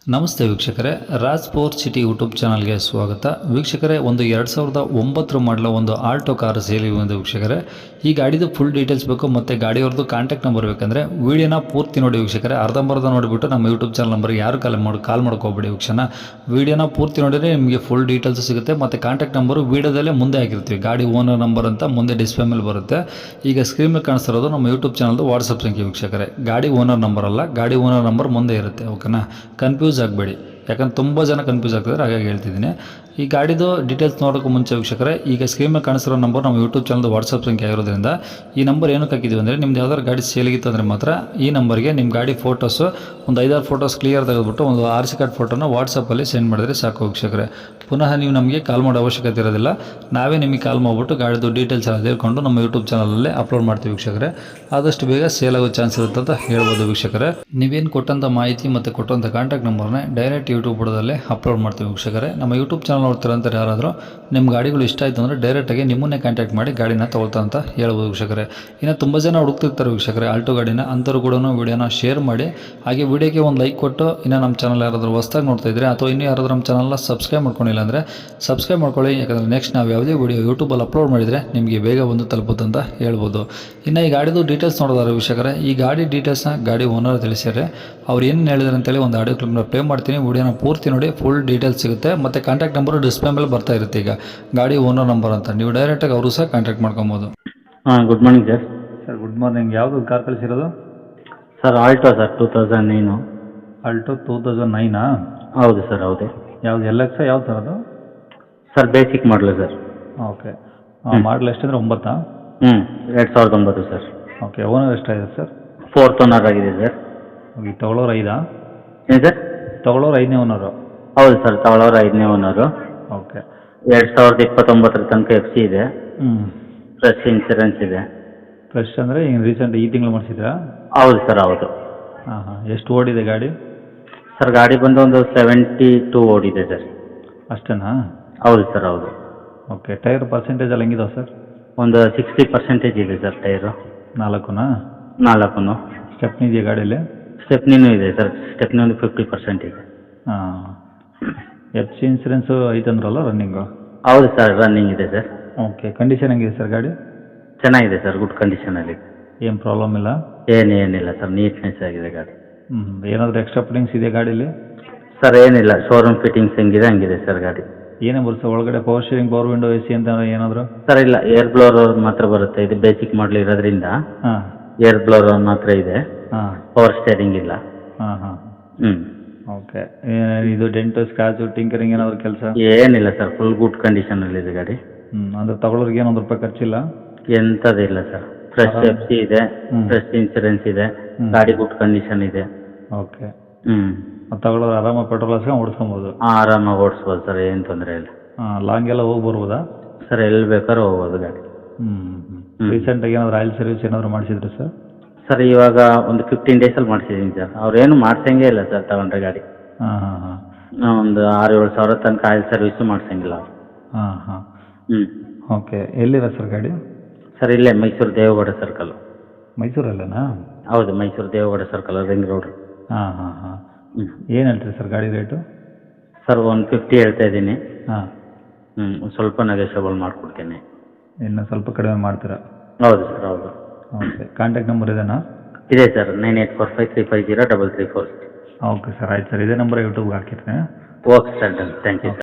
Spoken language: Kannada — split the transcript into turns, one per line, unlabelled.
ನಮಸ್ತೆ ವೀಕ್ಷಕರೇ, ರಾಜ್ ಸ್ಪೋರ್ಟ್ಸ್ ಸಿಟಿ ಯೂಟ್ಯೂಬ್ ಚಾನಲ್ಗೆ ಸ್ವಾಗತ. ವೀಕ್ಷಕರೇ, ಒಂದು 2009 ಮಾಡಲ ಒಂದು ಆಲ್ಟೋ ಕಾರ್ ಸೇಲಿಗೆ ಒಂದು ವೀಕ್ಷಕರೇ. ಈ ಗಾಡಿದು ಫುಲ್ ಡೀಟೇಲ್ಸ್ ಬೇಕು ಮತ್ತು ಗಾಡಿಯವ್ರದ್ದು ಕಾಂಟ್ಯಾಕ್ಟ್ ನಂಬರ್ ಬೇಕಂದರೆ ವೀಡಿಯೋನ ಪೂರ್ತಿ ನೋಡಿ ವೀಕ್ಷಕರೇ. ಅರ್ಧಂಬರ್ಧ ನೋಡಿಬಿಟ್ಟು ನಮ್ಮ ಯೂಟ್ಯೂಬ್ ಚಾನಲ್ ನಂಬರ್ಗೆ ಯಾರು ಕಾಲ್ ಮಾಡ್ಕೋಬೇಡಿ ವೀಕ್ಷಣ. ವೀಡಿಯೋನ ಪೂರ್ತಿ ನೋಡಿದರೆ ನಿಮಗೆ ಫುಲ್ ಡೀಟೇಲ್ಸ್ ಸಿಗುತ್ತೆ ಮತ್ತು ಕಾಂಟ್ಯಾಕ್ಟ್ ನಂಬರು ವೀಡಿಯೋದಲ್ಲೇ ಮುಂದೆ ಹಾಕಿರ್ತೀವಿ. ಗಾಡಿ ಓನರ್ ನಂಬರ್ ಅಂತ ಮುಂದೆ ಡಿಸ್ಪ್ಲೇ ಮೇಲೆ ಬರುತ್ತೆ. ಈಗ ಸ್ಕ್ರೀನ್ ಮೇಲೆ ಕಾಣಿಸ್ತಿರೋದು ನಮ್ಮ ಯೂಟ್ಯೂಬ್ ಚಾನಲ್ದು ವಾಟ್ಸಪ್ ಸಂಖ್ಯೆ ವೀಕ್ಷಕರೇ. ಗಾಡಿ ಓನರ್ ನಂಬರ್ ಅಲ್ಲ, ಗಾಡಿ ಓನರ್ ನಂಬರ್ ಮುಂದೆ ಇರುತ್ತೆ. ಓಕೆನಾ? ಕನ್ಫ್ಯೂಸ್ ಆಗಬೇಡಿ, ಯಾಕಂದ್ರೆ ತುಂಬ ಜನ ಕನ್ಫ್ಯೂಸ್ ಆಗ್ತಿದ್ದಾರೆ, ಹಾಗಾಗಿ ಹೇಳ್ತಿದ್ದೀನಿ. ಈ ಗಾಡಿದು ಡೀಟೇಲ್ಸ್ ನೋಡೋಕ್ಕೂ ಮುಂಚೆ ವೀಕ್ಷಕರೇ, ಈಗ ಸ್ಕ್ರೀನ್ ಮೇಲೆ ಕಾಣಿಸಿರೋ ನಂಬರ್ ನಮ್ಮ ಯೂಟ್ಯೂಬ್ ಚಾನಲ್ದು ವಾಟ್ಸಪ್ ಸಂಖ್ಯೆ ಆಗಿರೋದ್ರಿಂದ ಈ ನಂಬರ್ ಏನಕ್ಕೆ ಹಾಕಿದ್ದೀವಿ ಅಂದರೆ, ನಿಮ್ದು ಯಾವ್ದಾದ್ರು ಗಾಡಿ ಸೇಲಿಗಿತ್ತು ಅಂದರೆ ಮಾತ್ರ ಈ ನಂಬರ್ಗೆ ನಿಮ್ಮ ಗಾಡಿ ಫೋಟೋಸು ಒಂದು 5-6 ಫೋಟೋಸ್ ಕ್ಲಿಯರ್ ತೆಗೆದುಬಿಟ್ಟು ಒಂದು RC ಕಾರ್ಡ್ ಫೋಟೋನ ವಾಟ್ಸಪ್ಪಲ್ಲಿ ಸೆಂಡ್ ಮಾಡಿದ್ರೆ ಸಾಕು ವೀಕ್ಷಕರೇ. ಪುನಃ ನೀವು ನಮಗೆ ಕಾಲ್ ಮಾಡೋ ಅವಶ್ಯಕತೆ ಇರೋದಿಲ್ಲ. ನಾವೇ ನಿಮಗೆ ಕಾಲ್ ಮಾಡಿಬಿಟ್ಟು ಗಾಡಿದು ಡೀಟೇಲ್ಸ್ ಎಲ್ಲ ತಿಳ್ಕೊಂಡು ನಮ್ಮ ಯೂಟ್ಯೂಬ್ ಚಾನಲಲ್ಲೇ ಅಪ್ಲೋಡ್ ಮಾಡ್ತೀವಿ ವೀಕ್ಷಕರೇ. ಆದಷ್ಟು ಬೇಗ ಸೇಲ್ ಆಗೋ ಚಾನ್ಸ್ ಇರುತ್ತೆ ಅಂತ ಹೇಳ್ಬೋದು ವೀಕ್ಷಕರೇ. ನೀವೇನು ಕೊಟ್ಟಂಥ ಮಾಹಿತಿ ಮತ್ತು ಕೊಟ್ಟಂಥ ಕಾಂಟ್ಯಾಕ್ಟ್ ನಂಬರ್ನೇ ಡೈರೆಕ್ಟ್ ಯೂಟ್ಯೂಬ್ ಬುಡದಲ್ಲೇ ಅಪ್ಲೋಡ್ ಮಾಡ್ತೀವಿ ವೀಕ್ಷಕರೇ. ನಮ್ಮ ಯೂಟ್ಯೂಬ್ ಚಾನಲ್ ನೋಡ್ತಿರೋಂಥ ಯಾರಾದರೂ ನಿಮ್ಮ ಗಾಡಿಗಳು ಇಷ್ಟ ಆಯಿತು ಅಂದರೆ ಡೈರೆಕ್ಟಾಗಿ ನಿಮ್ಮನ್ನೇ ಕಾಂಟ್ಯಾಕ್ಟ್ ಮಾಡಿ ಗಾಡಿನ ತೊಗೊಳ್ತಾ ಅಂತ ಹೇಳ್ಬೋದು ವೀಕ್ಷಕರೇ. ಇನ್ನು ತುಂಬ ಜನ ಹುಡುಕ್ತಿರ್ತಾರೆ ವೀಕ್ಷಕರೇ ಆಲ್ಟೋ ಗಾಡಿನ, ಅಂಥವ್ರು ಕೂಡ ವೀಡಿಯೋನ ಶೇರ್ ಮಾಡಿ, ಹಾಗೆ ವೀಡಿಯೋಗೆ ಒಂದು ಲೈಕ್ ಕೊಟ್ಟು, ಇನ್ನು ನಮ್ಮ ಚಾನಲ್ ಯಾರಾದರೂ ಹೊಸ್ದಾಗಿ ನೋಡ್ತಾ ಇದ್ದರೆ ಅಥವಾ ಇನ್ನೂ ಯಾರಾದರೂ ನಮ್ಮ ಚಾನಲ್ನ ಸಬ್ಸ್ಕ್ರೈಬ್ ಮಾಡ್ಕೊಂಡಿಲ್ಲ ಅಂದರೆ ಸಬ್ಸ್ಕ್ರೈಬ್ ಮಾಡ್ಕೊಳ್ಳಿ. ಯಾಕಂದರೆ ನೆಕ್ಸ್ಟ್ ನಾವು ಯಾವುದೇ ವೀಡಿಯೋ ಯೂಟ್ಯೂಬಲ್ಲಿ ಅಪ್ಲೋಡ್ ಮಾಡಿದರೆ ನಿಮಗೆ ಬೇಗ ಬಂದು ತಲುಪುತ್ತೆ ಅಂತ ಹೇಳ್ಬೋದು. ಇನ್ನು ಈ ಗಾಡಿದು ಡೀಟೇಲ್ಸ್ ನೋಡೋದಾದ್ರೆ ವೀಕ್ಷಕರೇ, ಈ ಗಾಡಿ ಡೀಟೇಲ್ಸ್ನ ಗಾಡಿ ಓನರ್ ತಿಳಿಸಿದರೆ ಅವ್ರು ಏನು ಹೇಳಿದ್ರು ಅಂತೇಳಿ ಒಂದು ಆಡಿಯೋ ಕ್ಲಿಪ್ನ ಪ್ಲೇ ಮಾಡ್ತೀನಿ. ವೀಡಿಯೋನ ಪೂರ್ತಿ ನೋಡಿ, ಫುಲ್ ಡೀಟೇಲ್ಸ್ ಸಿಗುತ್ತೆ ಮತ್ತು ಕಾಂಟ್ಯಾಕ್ಟ್ ನಂಬರು ಡಿಸ್ಪ್ಲೇ ಮೇಲೆ ಬರ್ತಾ ಇರುತ್ತೆ. ಈಗ ಗಾಡಿ ಓನರ್ ನಂಬರ್ ಅಂತ ನೀವು ಡೈರೆಕ್ಟಾಗಿ ಅವರು ಸಹ ಕಾಂಟ್ಯಾಕ್ಟ್ ಮಾಡ್ಕೊಬೋದು.
Good morning sir.
Sir good morning. ಯಾವುದು ಕಾರ್ ಕಳಿಸಿರೋದು?
Sir Alto sir 2009.
ಆಲ್ಟೋ 2009?
ಹೌದು ಸರ್, ಹೌದು.
ಯಾವುದು LX ಯಾವ್ದು ಸರ್ ಅದು?
Sir basic model sir.
Okay. Model ಎಷ್ಟಂದರೆ 9?
2009 ಸರ್.
ಓಕೆ. ಓನರ್ ಎಷ್ಟಾಗಿದೆ ಸರ್?
4th ಓನರ್ ಆಗಿದೆ ಸರ್.
ಈಗ ತಗೊಳ್ಳೋರು 5?
ಏನು ಸರ್?
ತಗೊಳ್ಳೋರು 5ನೇ ಓನರು?
ಹೌದು ಸರ್, ತಗೊಳ್ಳೋರು 5ನೇ ಓನರು.
ಓಕೆ.
2029 ತನಕ FC ಇದೆ. ಫ್ರೆಶ್ ಇನ್ಸೂರೆನ್ಸ್ ಇದೆ.
ಫ್ರೆಶ್ ಅಂದರೆ ಈಗ ರೀಸೆಂಟ್ ಈ ತಿಂಗಳು ಮಾಡಿಸಿದ್ರಾ?
ಹೌದು ಸರ್, ಹೌದು.
ಎಷ್ಟು ಓಡಿದೆ ಗಾಡಿ?
ಸರ್ ಗಾಡಿ ಬಂದು ಒಂದು 72 ಓಡಿದೆ ಸರ್.
ಅಷ್ಟೇನಾ?
ಹೌದು ಸರ್, ಹೌದು.
ಓಕೆ. ಟೈರ್ ಪರ್ಸೆಂಟೇಜ್ ಎಲ್ಲ ಹೆಂಗಿದಾವೆ ಸರ್?
ಒಂದು 60% ಇದೆ ಸರ್ ಟೈರು.
4ನಾ?
4.
ಸ್ಟೆಪ್ನಿ ಇದೆಯಾ ಗಾಡೀಲಿ?
ಸ್ಟೆಪ್ನಿನೂ ಇದೆ ಸರ್. ಸ್ಟೆಪ್ನಿ ಒಂದು 50% ಇದೆ.
FC ಇನ್ಸೂರೆನ್ಸು ಐತಂದ್ರಲ್ಲ ರನ್ನಿಂಗು?
ಹೌದು ಸರ್, ರನ್ನಿಂಗ್ ಇದೆ ಸರ್.
ಓಕೆ. ಕಂಡೀಷನ್ ಹೆಂಗಿದೆ ಸರ್ ಗಾಡಿ?
ಚೆನ್ನಾಗಿದೆ ಸರ್, ಗುಡ್ ಕಂಡೀಷನಲ್ಲಿ.
ಏನು ಪ್ರಾಬ್ಲಮ್ ಇಲ್ಲ?
ಏನಿಲ್ಲ ಸರ್, ನೀಟ್ನೆಸ್ ಆಗಿದೆ ಗಾಡಿ.
ಏನಾದರೂ ಎಕ್ಸ್ಟ್ರಾ ಫಿಟ್ಟಿಂಗ್ಸ್ ಇದೆ ಗಾಡೀಲಿ?
ಸರ್ ಏನಿಲ್ಲ, ಶೋರೂಮ್ ಫಿಟ್ಟಿಂಗ್ಸ್ ಹೆಂಗಿದೆ ಹಂಗಿದೆ ಸರ್ ಗಾಡಿ.
ಏನೇ ಬರುತ್ತೆ ಒಳಗಡೆ? Power steering, power window, AC ಅಂತ ಏನಾದರೂ?
ಸರ್ ಇಲ್ಲ, ಏರ್ ಬ್ಲೋರ್ ಮಾತ್ರ ಬರುತ್ತೆ. ಇದು ಬೇಸಿಕ್ ಮಾಡಲ್ ಇರೋದ್ರಿಂದ ಏರ್ ಬ್ಲೋರ್ ಮಾತ್ರ ಇದೆ. ಪವರ್ ಸ್ಟೇರಿಂಗ್ ಇಲ್ಲ.
ಓಕೆ. ಇದು ಡೆಂಟು, ಸ್ಕ್ರಾಚು, ಟಿಂಕರಿಂಗ್ ಏನಾದರೂ ಕೆಲಸ?
ಏನಿಲ್ಲ ಸರ್, ಫುಲ್ ಗುಡ್ ಕಂಡೀಷನಲ್ಲಿದೆ ಗಾಡಿ.
ಅಂದರೆ ತಗೊಳ್ಳೋರಿಗೆ ಏನು 1 ರೂಪಾಯಿ ಖರ್ಚಿಲ್ಲ?
ಎಂಥದಿಲ್ಲ ಸರ್. ಫ್ರೆಶ್ FC ಇದೆ, ಫ್ರೆಶ್ ಇನ್ಸೂರೆನ್ಸ್ ಇದೆ, ಗಾಡಿ ಗುಡ್ ಕಂಡೀಷನ್ ಇದೆ.
ಓಕೆ. ತಗೊಳ್ಳೋರು ಆರಾಮಾಗಿ ಪೆಟ್ರೋಲ್ ಹಾಕ್ಸ್ಕೊಂಡು ಓಡಿಸ್ಕೊಬೋದು?
ಆರಾಮಾಗಿ ಓಡಿಸ್ಬೋದು ಸರ್, ಏನು ತೊಂದರೆ ಇಲ್ಲ.
ಲಾಂಗ್ ಎಲ್ಲ ಹೋಗಿ ಬರ್ಬೋದಾ
ಸರ್? ಎಲ್ಲಿ ಬೇಕಾದ್ರೂ ಹೋಗ್ಬೋದು ಗಾಡಿ.
ರೀಸೆಂಟಾಗಿ ಏನಾದರೂ ಆಯಿಲ್ ಸರ್ವಿಸ್ ಏನಾದರೂ ಮಾಡಿಸಿದ್ರಿ ಸರ್?
ಸರ್ ಇವಾಗ ಒಂದು 15 ಡೇಸಲ್ಲಿ ಮಾಡಿಸಿದ್ದೀನಿ ಸರ್. ಅವ್ರೇನು ಮಾಡ್ಸಂಗೇ ಇಲ್ಲ ಸರ್ ತಗೊಂಡ್ರೆ ಗಾಡಿ. ಒಂದು 6-7 ಸಾವಿರ ತನಕ ಆಯಿಲ್ ಸರ್ವಿಸು ಮಾಡ್ಸಂಗಿಲ್ಲ ಅವ್ರು.
ಓಕೆ. ಎಲ್ಲಿದೆ ಸರ್ ಗಾಡಿ?
ಸರ್ ಇಲ್ಲೇ ಮೈಸೂರು ದೇವಗೌಡ ಸರ್ಕಲ್.
ಮೈಸೂರಲ್ಲೇನಾ?
ಹೌದು, Mysuru Devegowda circle, ring road.
ಏನು ಹೇಳ್ತೀರಿ ಸರ್ ಗಾಡಿ ರೇಟು?
ಸರ್ 150 ಹೇಳ್ತಾ ಇದ್ದೀನಿ. ಸ್ವಲ್ಪ ನೆಗೋಷಿಯಬಲ್ ಮಾಡಿಕೊಡ್ತೀನಿ.
ಇನ್ನು ಸ್ವಲ್ಪ ಕಡಿಮೆ ಮಾಡ್ತೀರಾ?
ಹೌದು ಸರ್, ಹೌದು.
ಓಕೆ. ಕಾಂಟ್ಯಾಕ್ಟ್ ನಂಬರ್ ಇದೆನಾ?
ಇದೆ ಸರ್, 9845350350.
ಓಕೆ ಸರ್, ಆಯ್ತು ಸರ್. ಇದೇ ನಂಬರ್ ಯೂಟ್ಯೂಬ್ಗೆ ಹಾಕಿರ್ತೀನಿ.
Okay sir, done. Thank you sir.